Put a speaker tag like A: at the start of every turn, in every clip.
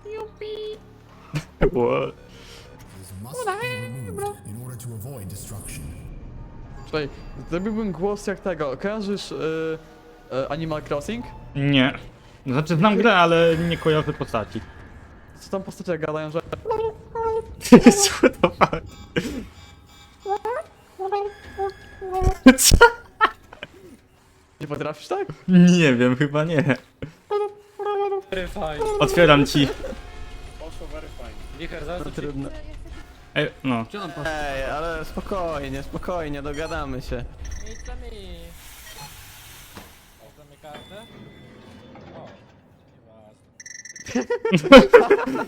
A: Yupi.
B: What?
A: Czekaj, zrobiłbym głos jak tego. Kojarzysz Animal Crossing?
B: Nie. Znaczy znam grę, ale nie kojarzę postaci.
A: Co tam postacie gadają, że...
B: What the fuck? Co?
A: Nie potrafisz tak?
B: Nie wiem, chyba nie.
C: Very fine.
B: Otwieram ci.
C: Poszło very fine. Wicher, zaraz
A: To trudno.
B: Ej, no.
C: Gdzie on poszedł?
D: Ej, ale spokojnie, spokojnie, dogadamy się.
C: Miejscami. Oddamy kartę? O, nieważne.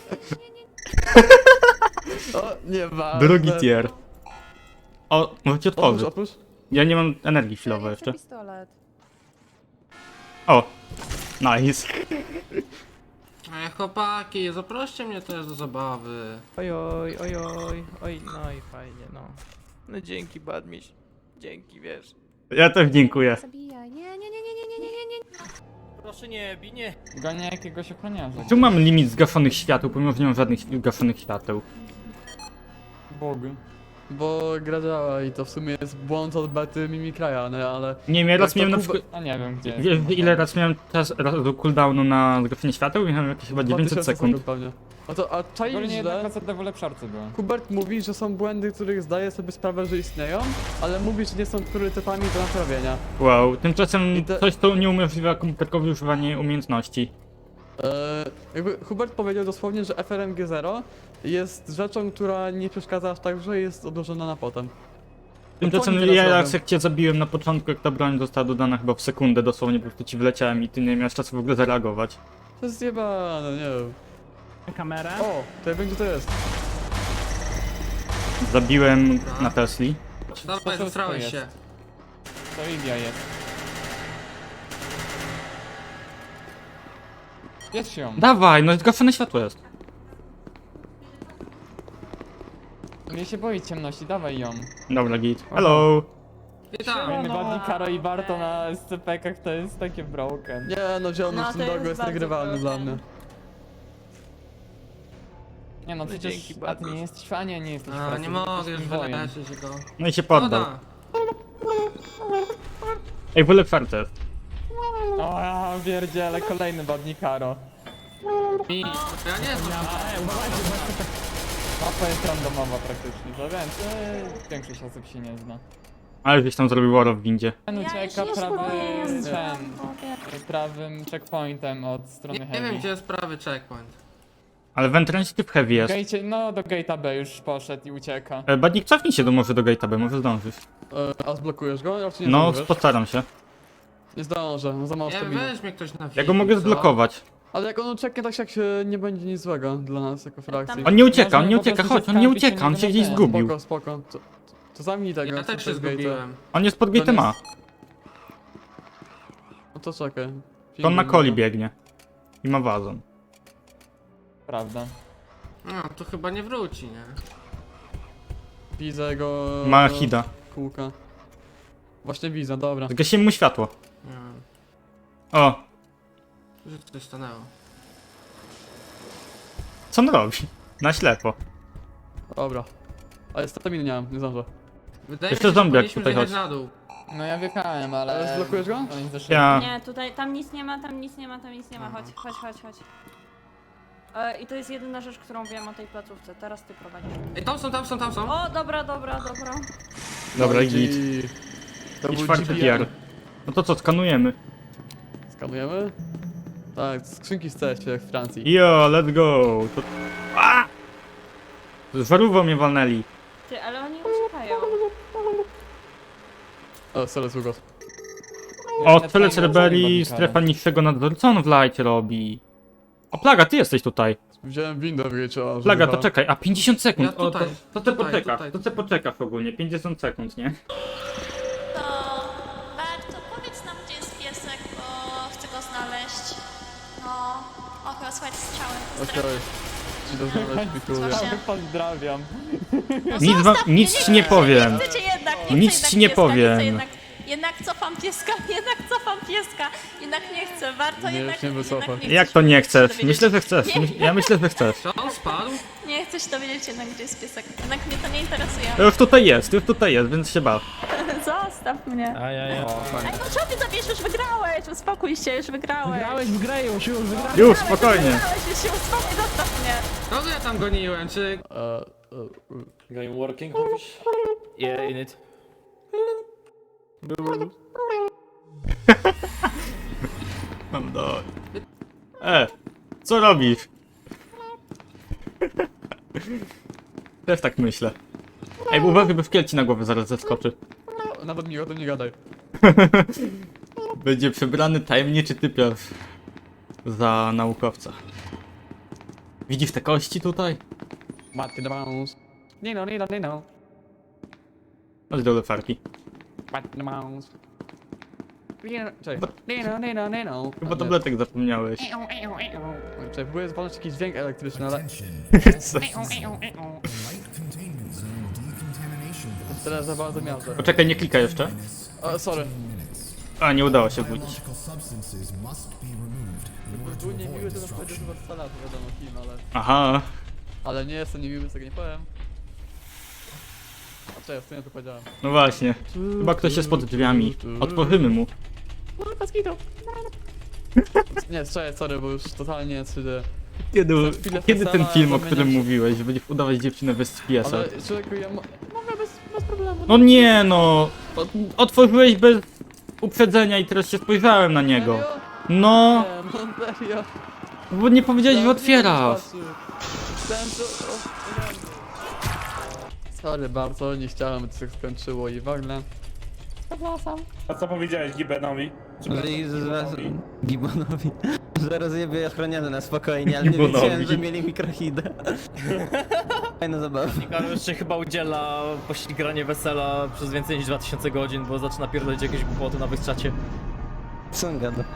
A: O, nie ma.
B: Drugi tier. O, możecie
A: Otwórz,
B: otworzyć.
A: otwórz.
B: Ja nie mam energii chwilowo jeszcze.
E: Pistolet.
B: O. Nice.
F: Ej, chłopaki, zaproście mnie też do zabawy.
C: Ojoj, ojoj, oj, no i fajnie, no. No dzięki, Badmiś. Dzięki, wiesz.
B: Ja też dziękuję.
E: Zabijaj. Nie.
C: Proszę nie, bij, nie.
G: Gania jakiegoś ochroniarza.
B: Tu mam limit zgaszonych świateł, pomimo że nie mam żadnych zgaszonych świateł.
G: Bog.
A: Bo gra działa i to w sumie jest błąd od bety Mimikraja, no ale...
B: Nie wiem, ja raz
A: to
B: miałem na
A: Kuba-
B: przykład...
G: A nie wiem gdzie.
B: Wiesz ile raz miałem czas do cooldownu na zgaszenie świateł? Miałem jakieś chyba 900 sekund.
A: Pewnie. No to, a czaisz
G: Ogólnie jedna
A: źle?
G: faceta w ulepszarce była.
A: Hubert mówi, że są błędy, których zdaje sobie sprawę, że istnieją, ale mówi, że nie są priorytetami do naprawienia.
B: Wow, tymczasem
A: I te-
B: coś to nieumożliwia komputerkowi używanie umiejętności.
A: Jakby Hubert powiedział dosłownie, że FRMG0 jest rzeczą, która nie przeszkadza aż tak, że jest odłożona na potem.
B: Tymczasem
A: oni teraz
B: ja
A: robią?
B: raz jak cię zabiłem na początku, jak ta broń została dodana chyba w sekundę, dosłownie po prostu ci wleciałem i ty nie miałeś czasu w ogóle zareagować.
A: To jest zjebane, nie wiem.
C: Kamerę?
A: O, to ja wiem, gdzie to jest.
B: Zabiłem na Tesli.
F: Dawaj,
G: to
F: zestrałeś
G: jest?
F: się.
G: To Ilia jest. Jest ją.
B: Dawaj, no zgaszone światło jest.
G: Nie się boi ciemności, dawaj ją.
B: Dobra, git. Hello!
F: Witam.
G: Fajny Wadni, Karo i Barto na SCP-kach to jest takie broken.
A: Nie, no ziomek
E: No,
A: w tym
E: to
A: dogu
E: jest
A: jest
E: bardzo
A: nagrywalny dla mnie.
G: Nie no, przecież
C: dzięki,
G: a ty
C: Bartosz.
G: nie jesteś fanie, nie jesteś
F: A,
G: fanem,
F: nie mogę
G: jesteś
F: już
G: wojem.
F: wyleczyć go.
B: No i się poddał.
F: Woda.
B: Ej, w ulepszarce jest.
G: O, ja pierdziele, kolejny Wadni Karo.
F: Ja nie znam.
G: Mapa jest randomowa praktycznie, to więc większość osób się nie zna.
B: Ale gdzieś tam zrobił war w windzie.
G: Ten ucieka
E: boję.
G: prawym checkpointem od strony
F: Nie
G: heavy.
F: wiem, gdzie jest prawy checkpoint.
B: Ale w entrance typ heavy jest.
G: Gate, no do gate'a B już poszedł i ucieka.
B: Badnik, cofnij się może do gate'a B, może zdążysz.
A: A zblokujesz go? Ja nie
B: No,
A: zdążysz?
B: postaram się.
A: Nie zdążę, no za mało
F: Nie,
A: staminy.
F: weź mnie ktoś na
B: Ja go mogę
F: co?
B: zblokować.
A: Ale jak on ucieknie, tak jak się nie będzie nic złego dla nas jako frakcji.
B: On nie ucieka, on
G: Może
B: nie
G: po
B: ucieka,
G: prostu
B: chodź,
G: się
B: on nie
G: skarpić,
B: ucieka, on
G: nie
B: się gdzieś
G: będę.
B: zgubił.
A: Spoko, spoko. To zamknij tego.
F: Ja
A: co
F: też
A: to
F: się
A: jest gate'a.
F: zgubiłem.
B: On jest pod
A: To
B: gate'em
A: nie
B: A.
A: jest- No to czekaj.
B: To on na
A: Pingwin,
B: coli
A: no.
B: biegnie. I ma wazon.
G: Prawda.
F: No, to chyba nie wróci, nie?
A: Widzę go...
B: Ma hida.
A: Kółka. Właśnie widzę, dobra.
B: Zgasiłem mu światło.
F: Nie wiem.
B: O,
F: Że coś stanęło.
B: co on robi? Na ślepo.
A: Dobra. Ale staminy nie mam, nie zdążę.
F: Wydaje
B: Jeszcze
F: mi się, że
B: zombiak
F: powinniśmy
B: tutaj
F: zjechać
B: chodzi.
F: na dół.
G: No ja wjechałem, ale...
A: Ale zblokujesz go?
G: Oni zeszli.
B: Ja...
E: Nie, tutaj, tam nic nie ma, tam nic nie ma, tam nic nie ma. Chodź. I to jest jedyna rzecz, którą wiem o tej placówce. Teraz ty prowadzisz.
F: Ej, tam są.
E: O, dobra.
B: Dobra,
A: i
B: git.
A: To
B: I
A: był
B: czwarty
A: GPR.
B: tier. No to co, skanujemy?
A: Skanujemy? Tak, skrzynki z CS jak w Francji.
B: Yo, let's go! To... A! Z żarówką mnie walnęli.
E: Ty, ale oni uciekają.
A: O, sorry, sługo.
B: O, cele Cerberii, strefa niższego nadzoru. Co on w light robi? O, Plaga, ty jesteś tutaj.
A: Wziąłem windę w wieczorze.
B: Plaga, to czekaj, a 50 sekund.
F: Ja tutaj,
B: to ty
F: tutaj,
B: poczekasz,
F: tutaj.
B: to ty poczekasz ogólnie, 50 sekund, nie?
H: To Barto, powiedz nam, gdzie jest piesek, bo chcę go znaleźć. No, o, chyba słychać strzały.
A: Okej. Ci to znaleźć, pikuję.
H: Właśnie.
G: Pozdrawiam.
H: No,
B: Nic,
H: zostaw mnie,
B: nic ci nie powiem.
H: Nie chcę cię jednak,
B: Nic
H: chcę
B: ci nie
H: pieska,
B: powiem.
H: chcę jednak Jednak cofam pieska, jednak nie chcę, warto
A: Nie,
H: jednak,
A: się wycofać.
H: jednak nie chcę
B: Jak
H: się
B: to nie
H: dowiedzieć.
B: chcesz? Myślę, że chcesz. Ja myślę, że chcesz.
F: Co, on spadł?
H: Nie chcę się dowiedzieć jednak, gdzie jest piesek. Jednak mnie to nie interesuje.
B: Już tutaj jest, więc się baw.
E: Zostaw mnie.
C: Ajajaj.
E: Ej, no co ty zabierz, już wygrałeś, uspokój się, już wygrałeś.
C: Grałeś w grę już wygrałeś.
B: Już, spokojnie.
E: Wygrałeś, już się uspokój, zostaw mnie.
F: Kogo ja tam goniłem, czy...
G: Game working, mówisz?
C: Yeah, in it.
B: Mam do... Co robisz? Też tak myślę. Ej, bo uważaj, by w kielci na głowę zaraz zeskoczy.
A: Nawet mi o tym nie gadaj.
B: Będzie przebrany tajemniczy typiarz za naukowca. Widzisz te kości tutaj?
A: Matki do mouse. Nie no, nie no, nie no.
B: Chodź do lefarki.
A: Matki do mouse. Czekaj. Nie no, nie no, nie no.
B: Chyba tabletek zapomniałeś.
A: Czekaj, próbuję zwolnić jakiś dźwięk elektryczny, ale... Teraz za bardzo miasto.
B: Poczekaj, nie klikaj jeszcze.
A: O, sorry.
B: A, nie udało się budzić.
A: Był niemiły, to powiedział, że was salatu, wiadomo kim, ale...
B: Aha.
A: Ale nie jestem niemiły, tego nie powiem. A czekaj, w sumie to powiedziałem.
B: No właśnie. Chyba ktoś jest pod drzwiami. Otworzymy mu.
A: Nie, czekaj, sorry, bo już totalnie 3D.
B: Kiedy,
A: Za chwilę
B: kiedy ten
A: Fesala
B: film, o
A: zamienia
B: którym
A: się-
B: mówiłeś, że będziesz udawać dziewczynę bez GPS-a?
A: Ale człowieku, ja mogę bez problemu.
B: No nie no! Otworzyłeś bez uprzedzenia i teraz się spojrzałem na niego.
A: Serio?
B: No,
A: Nie, no serio.
B: bo nie powiedziałeś, że otwierasz.
A: Sorry bardzo, nie chciałem, by to się skończyło i w ogóle.
I: A co powiedziałeś Gibenowi?
D: Gibonowi. Że rozjebie ochroniany na spokojnie, ale nie
B: Gibonowi.
D: wiedziałem, że mieli mikrohidę. Fajna zabawa.
G: Karol jeszcze chyba udziela pościgranie wesela przez więcej niż 2000 godzin, bo zaczyna pierdolić jakieś głupoty na wysczacie.
D: Co on gada?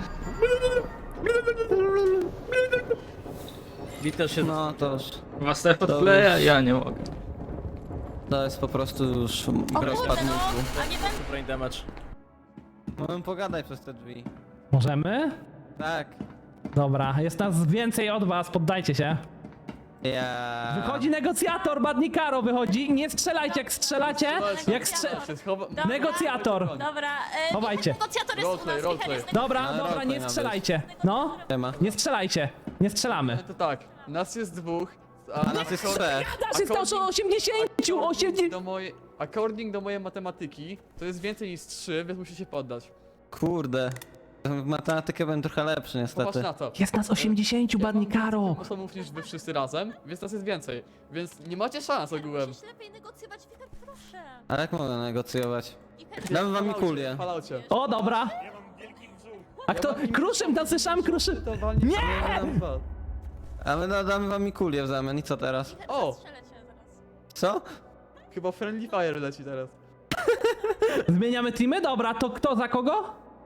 G: Witel się...
D: No to już...
B: Was też podkleja? Ja nie mogę.
D: To jest po prostu już
H: O kurde,
D: rozpad
H: no,
D: mózgu.
H: a nie będę...
G: Brain damage.
D: Możemy pogadać przez te drzwi.
C: Możemy?
D: Tak.
C: Dobra, jest nas więcej od was, poddajcie się.
D: Ja...
C: Wychodzi negocjator, Badnikaro wychodzi. Nie strzelajcie, jak strzelacie. Jak
A: Się schowa...
H: Dobra.
C: Negocjator.
H: Dobra,
C: Chowajcie.
H: negocjator jest u
A: Roleplay,
H: nas,
A: roleplay.
H: Michał jest
C: Dobra,
D: No,
C: dobra,
D: roleplay
C: nie
D: ma
C: strzelajcie. No,
D: Tema.
C: nie strzelajcie. Nie strzelamy.
A: To tak, nas jest dwóch,
D: A nas jest trzech.
C: Dasz jest to, że 80.
A: According do mojej matematyki, to jest więcej niż 3, więc musi się poddać.
D: Kurde. W matematykę byłem trochę lepszy
A: Popatrz
D: niestety.
A: na to.
C: Jest nas 80, Badnikaro.
A: Osobów niż wy wszyscy razem, więc nas jest więcej. Więc nie macie szans ogółem.
H: Musisz lepiej negocjować, Wiktor, proszę.
D: A jak mogę negocjować?
H: Wiktor,
D: Damy wam kulię.
A: Falaucie.
C: O, dobra. A kto? Kruszym, tam słyszałem kruszym. Nie!
D: A my damy wam kulię w zamian i co teraz?
A: O!
H: Strzelę cię zaraz.
D: Co?
A: Chyba Friendly Fire leci teraz.
C: Zmieniamy teamy? Dobra, to kto za kogo?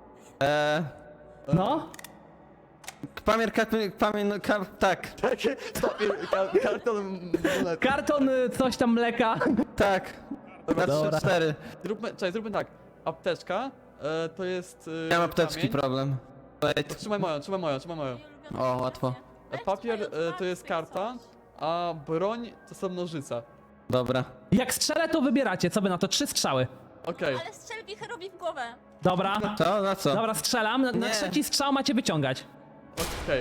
C: No.
D: Pamięć, tak,
A: Karton monet.
C: Karton coś tam mleka.
D: tak. Na
C: Dobra.
D: 3-4.
A: Zróbmy tak. Apteczka to jest.
D: Miałem apteczki
A: kamień.
D: problem. Wait.
A: Trzymaj moją.
D: O, łatwo.
A: Papier to jest karta, a broń to są nożyce.
D: Dobra.
C: Jak strzelę, to wybieracie. Co by na to? 3 strzały.
A: Okej.
H: Ale strzel Wicherowi w głowę.
C: Dobra.
D: Co? Na co?
C: Dobra, strzelam. Na
D: Nie.
C: trzeci strzał macie wyciągać.
A: Okej.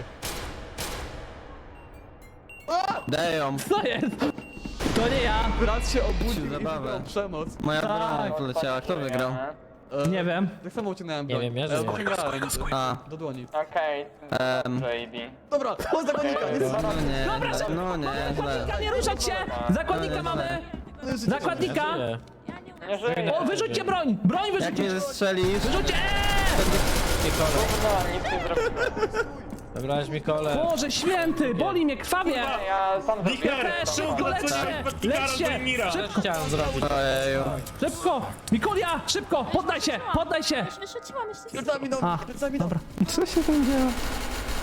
D: Damn.
C: Co jest? To nie ja.
A: Brat się obudził i
D: Zabawę.
A: wybrał przemoc.
D: Moja
C: Tak.
D: broń poleciała. Kto wygrał?
C: Nie wiem.
A: Tak samo uciągnąłem broń.
G: wiem, ja żyję.
A: Wyciągałem
D: A.
A: do dłoni.
G: Okej, JD.
A: Dobra, on zakonnika jest.
D: No nie, no nie, źle.
C: Nie ruszać się! Zakładnika mamy! Zakładnika!
H: Ja nie umiem.
C: O, wyrzućcie broń! Broń
D: Jak mnie
C: wyrzućcie!
D: zestrzelisz?
C: Wyrzućcie!
G: Zabrałeś mi kole.
C: Boże święty! Boli mnie, krwawie!
I: Wicher!
C: Szybko, lećcie! Lećcie! Szybko,
G: Chciałem zrobić.
D: Ojeju.
C: szybko! Mikulia, szybko! Poddaj się! Poddaj się!
H: Już wyrzuciłam jeszcze.
A: Plecami do
C: A,
A: plecami
C: dobra.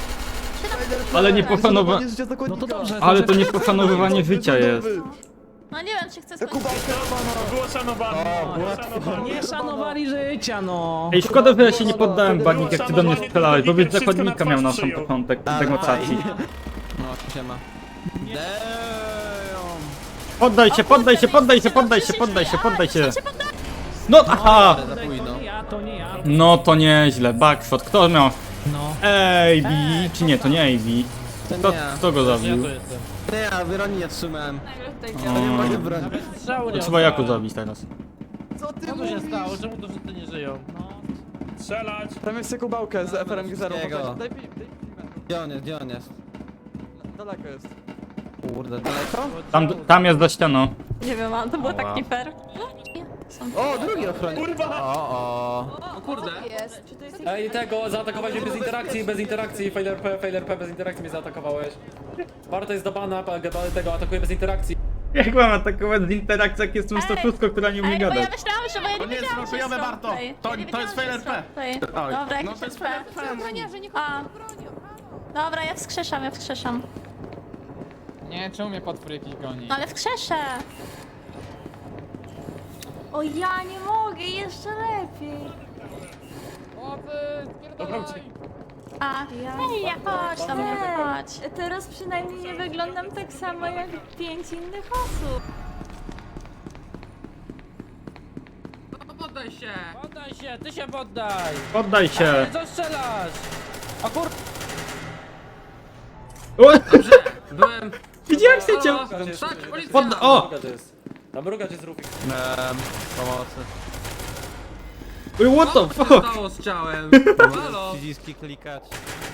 B: Ale nie poszanowa...
C: No to dobrze.
B: Ale to nie poszanowywanie życia jest.
H: No nie wiem, czy chcę skończyć.
I: Było szanowane.
J: Nie szanowali życia, no.
B: Ej, szkoda, że ja się nie poddałem, Barnik, jak ty do mnie strzelałeś, bo wiesz, zakładnika miał na sam
I: przyjął.
B: początek
D: Ale
B: negocjacji.
D: No, siema. Damn.
B: Poddaj się, poddaj się, poddaj się, poddaj się, poddaj się, poddaj się. No, aha!
D: Za późno.
J: To nie ja.
B: No to nieźle, backshot. Kto miał?
J: No.
B: AB, czy nie, to nie AB.
D: To
B: Kto,
D: nie ja.
B: kto go
G: Ja
B: zabił?
G: to jestem.
D: Nie ja, Wyroni nie trzymałem.
E: Tutaj
B: O,
D: Nie mogę bronić.
G: Strzału nie
B: to trzeba Jaku
G: oddałem.
B: zabić teraz.
A: Co ty
G: Co tu się
A: mówisz?
G: stało? Czemu to wszyscy nie żyją?
I: Strzelać.
A: Tam jest Jakubałkę z FRMG 0.
D: Wszystkiego.
A: Daj filmę.
D: Gdzie on jest, gdzie on jest?
A: Daleko jest.
D: Kurde, daleko?
B: Tam jest za ścianą.
E: Nie wiem, ale to było tak nie fair.
D: O, drugi ochroniarz.
I: Kurwa!
F: O kurde.
E: Jest. Czy to jest
G: Ej, tego, zaatakowałeś mnie bez interakcji, Failer P, bez interakcji mnie zaatakowałeś. Warto jest do bana, tego atakuje bez interakcji.
B: Jak mam atakować z interakcji, jak jestem statusko, która nie umie
H: Ej, bo ja
B: gadać?
H: myślałam, że ja nie
I: nie jest
H: wiedziałam, że
I: zraszujemy,
H: jest
I: Barto.
H: roleplay.
I: To-
H: Ja nie
I: to jest
H: wiedziałam, że
I: fair
H: roleplay.
I: Oj.
H: Dobra,
I: No
H: jakiś
I: to jest
H: roleplay. A. Dobra, ja wskrzeszam, ja wskrzeszam.
C: Nie, czemu mnie potwór jakiś goni?
H: No ale wskrzeszę.
E: O ja nie mogę, jeszcze lepiej.
H: A, hej, ja chodź do mnie, chodź.
E: Teraz przynajmniej nie wyglądam tak samo jak 5 innych osób.
F: No poddaj się.
G: Poddaj się, ty się poddaj!
B: Poddaj się.
G: Co strzelasz? O kur...
B: O,
F: Byłem...
B: widziałem cię.
F: Tak, policja!
B: O!
G: Tam mrugacz jest Rufik.
D: Pomocy.
B: What the
F: Co się
B: fuck?
F: stało z ciałem? Halo?
D: Przyciski klikać.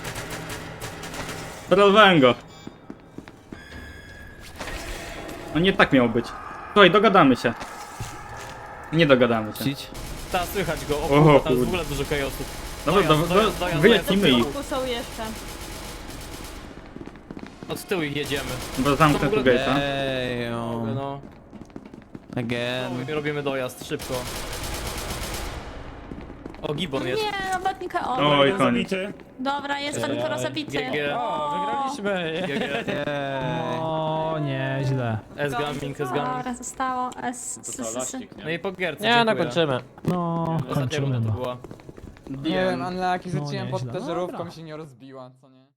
B: Trollowałem go. No nie tak miało być. Słuchaj, dogadamy się. Nie dogadamy się.
D: Cić.
G: Ta, słychać go, o
B: O,
G: kurwa, tam jest
B: kurde.
G: w ogóle dużo chaosów.
B: Dobra, wyjaśnimy ich,
E: Tu są jeszcze.
G: Od tyłu ich jedziemy.
B: bo zamknę tu gate'a.
D: Damn.
G: No,
D: Again.
G: i robimy dojazd, szybko. O, Gibbon jest.
H: Nie, no batnika o.
B: Oj, koniec.
I: Zabity.
H: Dobra, jest ten teraz zabity.
G: GG.
C: O, wygraliśmy!
G: GG.
D: Jej.
J: O, nieźle.
G: S-gaming, S-gaming.
H: Dobra, zostało S.
G: No i po gierce,
C: Nie,
G: dziękuję.
C: nakończymy.
J: No,
G: Ostatnia
J: kończymy
G: runda to
J: no.
G: była.
C: Nie wiem, unlucky,
J: No,
C: rzuciłem
J: nieźle.
C: pod te żarówką,
J: Dobra.
C: się nie rozbiła, co nie?